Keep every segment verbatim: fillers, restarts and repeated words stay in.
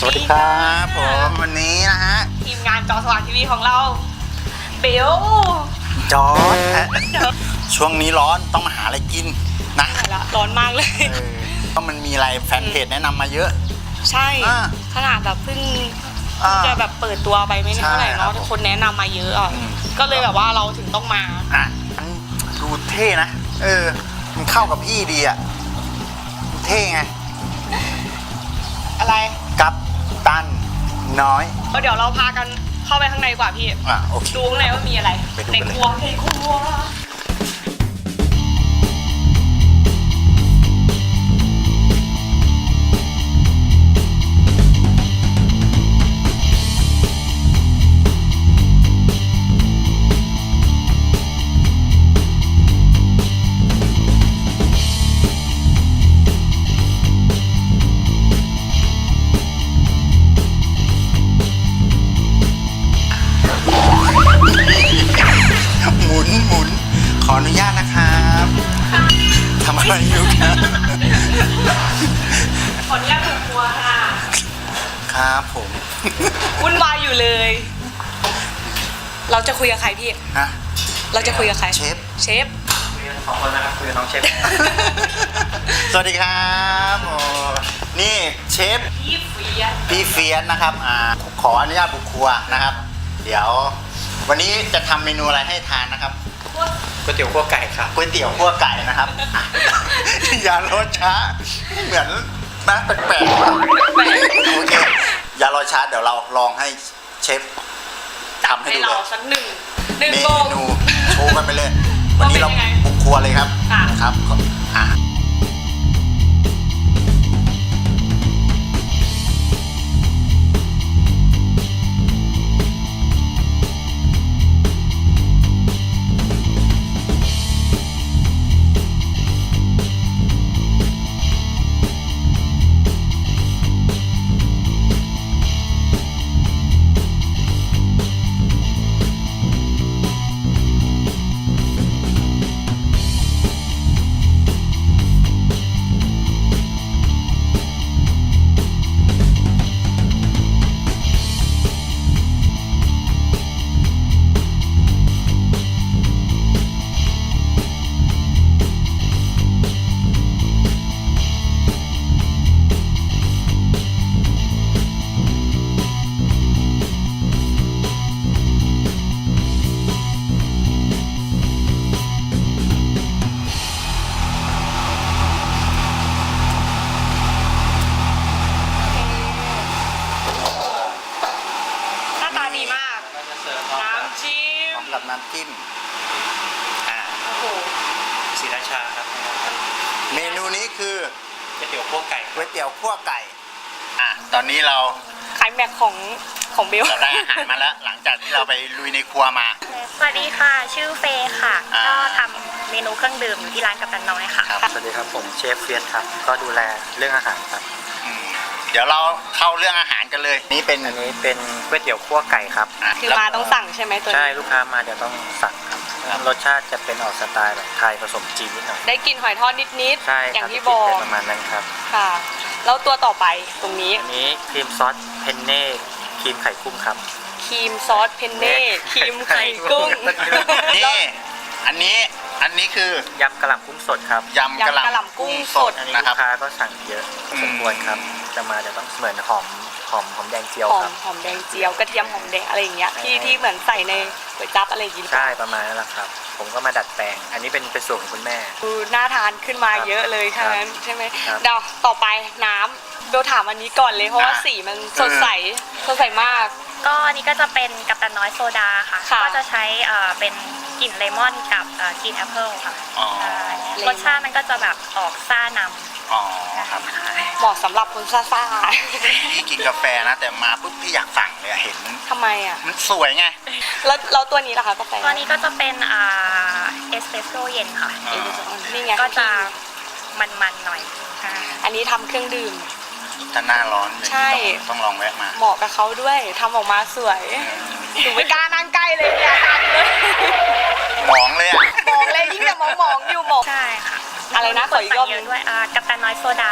สวัสดีครับผมวันนี้นะฮะทีมงานจอสว่างทีวีของเราเบลจอร์จช่วงนี้ร้อนต้องมาหาอะไรกินนะละร้อนมากเลยก็มันมีอะไรแฟนเพจแนะนำมาเยอะใช่ขนาดแบบเพิ่งจะแบบเปิดตัวไปไม่เท่าไหร่เนาะคนแนะนำมาเยอะอ่ะก็เลยแบบว่าเราถึงต้องมาอ่ะดูเท่นะเออมันเข้ากับพี่ดีอ่ะเท่ไงอะไรกัปตันน้อยก็เดี๋ยวเราพากันเข้าไปข้างในกว่าพี่อ่ะโอเคดูข้างในว่ามีอะไรในครัวในครัวขออนุญาตนะครับทำอะไรอยู่ครับขออนุญาตบุกครัวค่ะครับผมวุ่นวายอยู่เลยเราจะคุยกับใครพี่ฮะเราจะคุยกับใครเชฟเชฟคุยกันสองคนนะครับคุยกับน้องเชฟสวัสดีครับโอ้นี่เชฟพี่เฟียสพี่เฟียสนะครับอ่าขออนุญาตบุกครัวนะครับเดี๋ยววันนี้จะทำเมนูอะไรให้ทานนะครับก๋วยเตี๋ยวคั่วไก่ครับก๋วยเตี๋ยวคั่วไก่นะครับอย่ารอช้าเหมือนนะแปลกๆโอเคอย่ารอช้าเดี๋ยวเราลองให้เชฟทำให้ดูเลยสักหนึ่งหนึ่งเมนูโชว์กันไปเลยวันนี้เราบุกครัวเลยครับครับอ่ากับน้ำจิ้มอ่าโอ้โหศรีราชาครับเมนูนี้คือก๋วยเตี๋ยวคั่วไก่ก๋วยเตี๋ยวคั่วไก่อ่ะตอนนี้เราขายแม็กของของเบลเราได้อาหารมาแล้วหลังจากที่เราไปลุยในครัวมาสวัสดีค่ะชื่อเฟย์ค่ะก็ทำเมนูเครื่องดื่มอยู่ที่ร้านกัปตันน้อยค่ะสวัสดีครับผมเชฟเฟียสครับก็ดูแลเรื่องอาหารครับเดี๋ยวเราเข้าเรื่องอาหารกันเลยนี่เป็นอันนี้เป็นก๋วยเตี๋ยวคั่วไก่ครับคือมาต้องสั่งใช่ไหมตัวนี้ใช่ลูกค้ามาเดี๋ยวต้องสั่งครับรสชาติจะเป็นออกสไตล์แบบไทยผสมจีนนิดหน่อยได้กินหอยทอดนิดๆใช่อย่างที่บอกประมาณนั้นครับค่ะแล้วตัวต่อไปตรงนี้อันนี้ครีมซอสเพนเน่ครีมไข่กุ้งครับครีมซอสเพนเน่ครีมไข่กุ้งนี่อันนี้อันนี้คือยำกะหล่ำกุ้งสดครับยำกะหล่ำกุ้งสดอันนี้ลูกค้าก็สั่งเยอะสมควรครับจะมาเดี๋ยวต้องเหมือนหอมหอมหอมแดงเจียวครับหอมแดงเจียวกระเทียมหอมแดงอะไรอย่างเงี้ยที่ที่เหมือนใส่ในก๋วยจั๊บอะไรอย่างงี้ใช่ประมาณนั้นแหละครับผมก็มาดัดแปลงอันนี้เป็นเป็นสูตรของคุณแม่คือน่าทานขึ้นมาเยอะเลยทั้งนั้นใช่ไหมเดี๋ยวต่อไปน้ำเบลถามอันนี้ก่อนเลยเพราะว่าสีมันสดใสสดใสมากก็อันนี้ก็จะเป็นกัปตันน้อยโซดาค่ะก็จะใช้เป็นกลิ่นเลมอนกับกลิ่นแอปเปิลค่ะรสชาติมันก็จะแบบออกซ่านำอ๋อครับเหมาะสำหรับคนซ่าๆพี่กินกาแฟนะแต่มาปุ๊บพี่อยากสั่งเลยเห็นทำไมอ่ะมันสวยไงแล้วแล้วตัวนี้ล่ะคะกาแฟตัวนี้ก็จะเป็นอ่าเอสเปรสโซ่เย็นค่ะนี่ไงก็จะมันๆหน่อยอันนี้ทำเครื่องดื่มถ้าหน้าร้อนใช่ต้องลองแวะมาเหมาะกับเขาด้วยทำออกมาสวยหนูไม่กล้านั่งใกล้เลยเนี่ยมองเลยอ่ะมองเลยยิ่งแต่มองมองอยู่มองใช่ค่ะอะไรนะขออีกรอบนึงด้วยกัปตันน้อยโซดาค่ะกัปตัน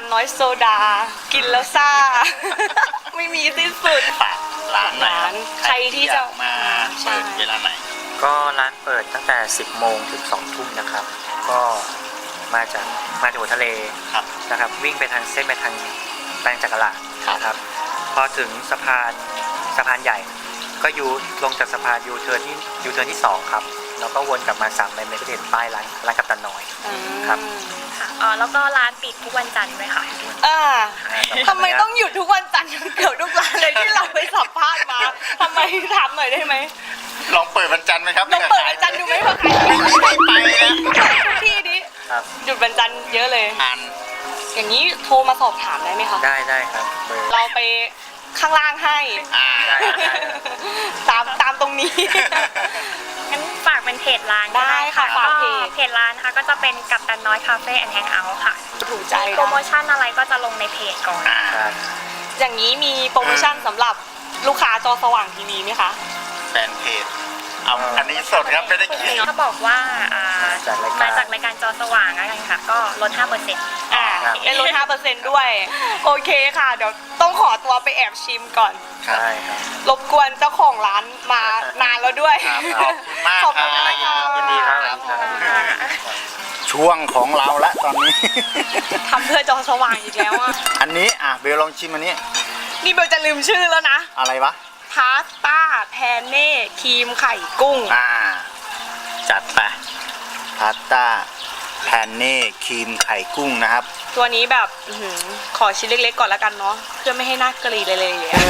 นน้อยโซดา กินแล้วซ่า ไม่มีสิ้นสุดฝากร้านหน่อยร้านใครที่จะอยากมาเปิดเวลาไหนก็ร้านเปิดตั้งแต่ สิบโมงถึง สองทุ่มนะครับ ก็มาจากมาจากหัวทะเลครับนะครับ วิ่งไปทางเส้นไปทางแปลงจักรลาดครับนะครับ พอถึงสะพานสะพานใหญ่ ก็ยูลงจากสะพานยูเทิร์นที่ยูเทิร์นที่สองครับแล้วก็วนกลับมาสามไมล์เมกะเห็นป้ายร้านร้านกัปตันน้อย ครับค่ะอ๋อแล้วก็ร้านปิดทุกวันจันทร์ด้วยค่ะอ่าทำไมต้องหยุดทุกวันจันทร์เกือบทุกร้านเลยที่เราไปสัมภาษณ์มาทำไมถามหน่อยได้ไหมลองเปิดวันจันทร์ไหมครับลองเปิดวันจันทร์ดูไหมเพื่อใครไม่มีใครไปนะที่นี้ครับหยุดวันจันทร์เยอะเลยอ่านอย่างนี้โทรมาสอบถามได้ไหมคะได้ได้ครับเบอร์เราไปข้างล่างให้อ่าได้ได้ตามตามตรงนี้งั้นฝากเป็นเพจร้านได้ค่ะฝากเพจเพจร้านนะคะก็จะเป็นกัปตันน้อยคาเฟ่แอนด์แฮงเอาท์ค่ะถูกใจโปรโมชั่นอะไรก็จะลงในเพจก่อนอ่าครับอย่างนี้มีโปรโมชั่นสำหรับลูกค้าจอสว่างทีวีไหมคะแฟนเพจเอาอันนี้สดครับไม่ได้คิดถ้าบอกว่าอ่าจากรายมาการจากรายการจอสว่างแล้วกันค่ะ ก็ลด ห้าเปอร์เซ็นต์อ่าครับได้ลด ห้าเปอร์เซ็นต์ ด้วย โอเคค่ะ เดี๋ยวต้องขอตัวไปแอบชิมก่อนใช่ครับรบกวนเจ้าของร้านมานานแล้วด้วยครับขอบคุณมากขอบคุณครับมากค่ะยินดีครับช่วงของเราละตอนนี้ทำเพื่อจอสว่างอีกแล้วอ่ะอันนี้อ่ะเบลลองชิมอันนี้นี่เบลจะลืมชื่อแล้วนะอะไรวะพาสต้าแพนเน่ครีมไข่กุ้งอ่า จัดไปพาสต้าแพนเน่ครีมไข่กุ้งนะครับตัวนี้แบบอื้อหือขอชิ้นเล็กๆก่อนแล้วกันเนาะเพื่อไม่ให้น่ากรีดเลยเลยอะ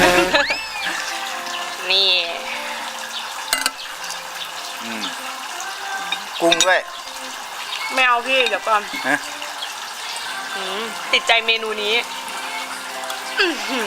นี่อืมกุ้งด้วยไม่เอาพี่เดี๋ยวก่อนฮะอืมติดใจเมนูนี้อื้อหือ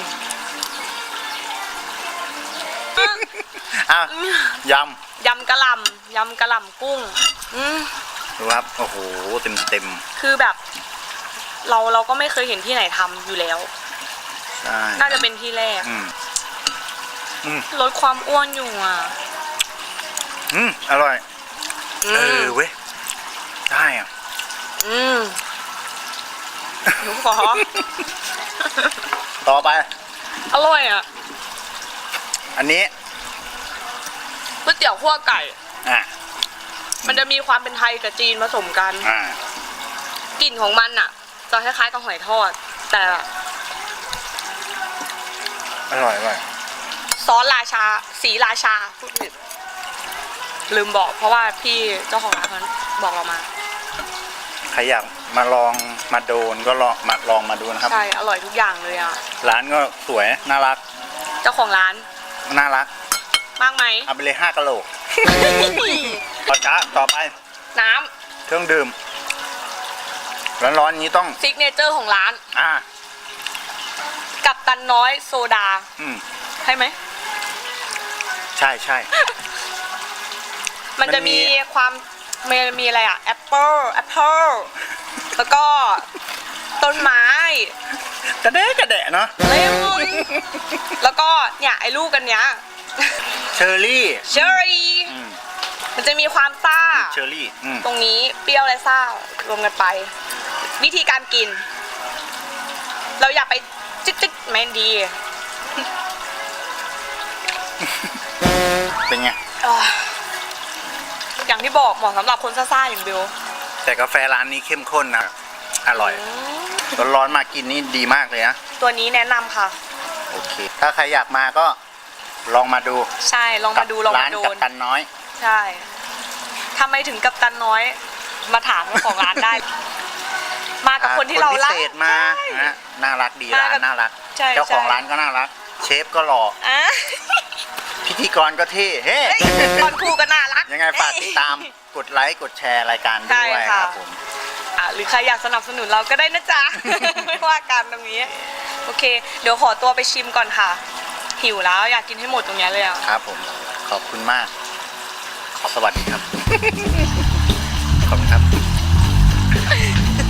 อ่ะยยำกะหล่ำยำกะหล่ำกุ้งอืมำดูครับ โอ้โห เต็มเต็มคือแบบ เราเราก็ไม่เคยเห็นที่ไหนทำอยู่แล้วๆใช่น่าจะเป็นที่แรกอืมอืมลดความอ้วนอยู่อ่ะอืมอร่อยอืเอมอเว้ย ได้อ่ะอืมหนูขอต่อไปอร่อยอ่ะอันนี้ก๋วยเตี๋ยวคั่วไก่อ่ะมันจะมีความเป็นไทยกับจีนผสมกันอ่ากลิ่นของมันอ่ะ จะคล้ายๆกับหอยทอด แต่อร่อยอร่อยซอสราชา สีราชาพูดผิดลืมบอกเพราะว่าพี่เจ้าของร้านเขาบอกเรามาใครอยากมาลองมาโดนก็ลองมาลองมาดูนะครับใช่ อร่อยทุกอย่างเลยอ่ะร้านก็สวย น่ารักเจ้าของร้านน่ารักมากไหมเอาไปเลยห้ากะโหลก พอจ้าต่อไปน้เครื่องดื่ม ร้อนๆนี้ต้องำซิกเนเจอร์ของร้านอ่ากับตันน้อยโซดาอืมใช่ไหมใช่ใช่มันจะมันมีมีความมันมีอะไรอ่ะแอปเปิลแอปเปิลแล้วก็ต้นไม้กระเดะกระเดะเนาะเลมอนแล้วก็เนี่ยไอ้ลูกกันเนี้ยเชอร์รี่เชอร์รี่อืมมันจะมีความซ่าเชอร์รี่อืมตรงนี้เปรี้ยวและซ่ารวมกันไป วิธีการกิน เราอย่าไปจิ๊กจิ๊กไม่ดีเป็นไงอ่าอย่างที่บอกเหมาะสำหรับคนซ่าๆอย่างเบลแต่กาแฟร้านนี้เข้มข้นนะ อร่อยอืมร้อนๆมากินนี่ดีมากเลยนะตัวนี้แนะนำค่ะโอเค ถ้าใครอยากมาก็ลองมาดูใช่ลองมาดูลองร้ามาน โดกับนตันน้อยใช่ทำไมถึงกับตันน้อย มาถามเจ้าของร้านได้ มากับคนที่เรารักพิเศษมาใช่นะน่ารักดีมาร้ากับนน่ารักใช่เจ้าของใช่ร้านก็น่ารัก เชฟก็หล่ออ่ะพิธีกรก็เท่ เฮ้เฮ้ยตอนครูก็น่ารักยังไงฝากติดตาม กดไลค์ กดแชร์รายการด้วยใช่คค่ะรับผมอ่ะหรือใครอยากสนับสนุนเราก็ได้นะจ๊ะ ไม่ว่ากันตรงนี้ โอเค เดี๋ยวขอตัวไปชิมก่อนค่ะ หิวแล้วอยากกินให้หมดตรงเนี้ยเลยอ่ะครับผม ขอบคุณมาก ขอสวัสดีครับ ขอบคุณครับ